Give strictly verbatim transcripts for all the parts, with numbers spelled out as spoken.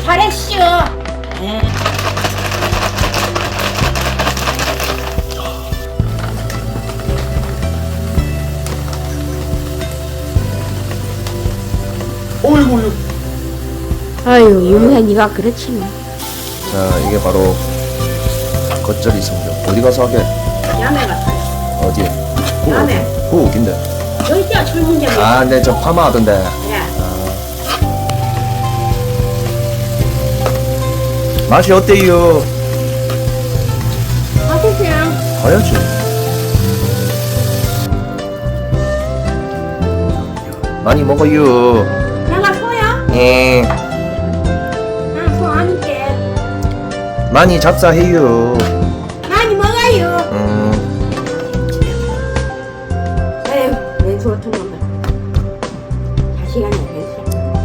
잘했슈. 예. 어이구, 어이구. 아유, 유명이가 그렇지 뭐. 자, 이게 바로 겉절이 성적. 어디 가서 하게? 야매 같아요. 어디? 야매. 그 어딘데? 여기 있죠, 철문점에. 아, 네, 저 파마 하던데. 예. 맛이 어때요? 맛있어요. 봐야지. 많이 먹어요. 내가 소야? 예. 난 소 아니게. 많이 잡사해요. 많이 먹어요. 음. 에휴, 내 좋던 놈들. 자식아니 됐어.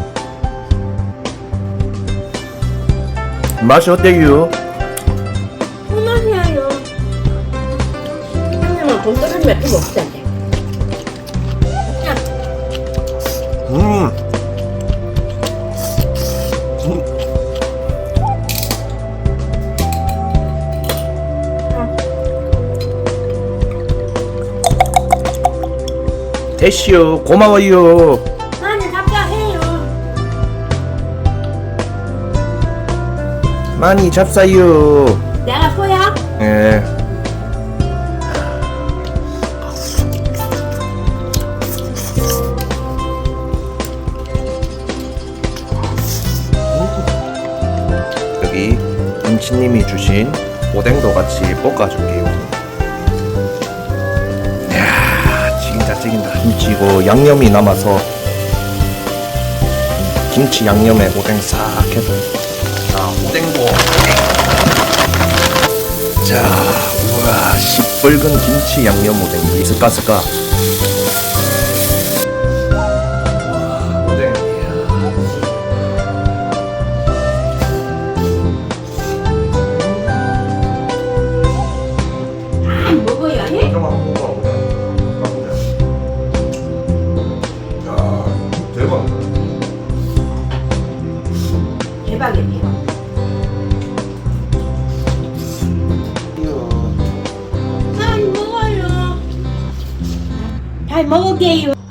맛이 어때요? 손맛이야요. 한명은 돈들은 몇 개 먹던데. 음. 음. 됐슈. 고마워요. 많이 답답해요. 많이 잡사요. 내가 소야? 예. 여기 김치님이 주신 오뎅도 같이 볶아줄게요. 이야, 찌긴다 찌긴다. 김치고 양념이 남아서 김치 양념에 오뎅 싹 해서. 자, 오뎅도. 자, 우와, 시뻘건 김치 양념 오뎅. 스까 스까. 오뎅. 아, 먹어야 해? 좀 한번 먹어보자. 먹어보자. 야, 대박. 대박이네요. 많이 먹어요. 잘 먹을게요.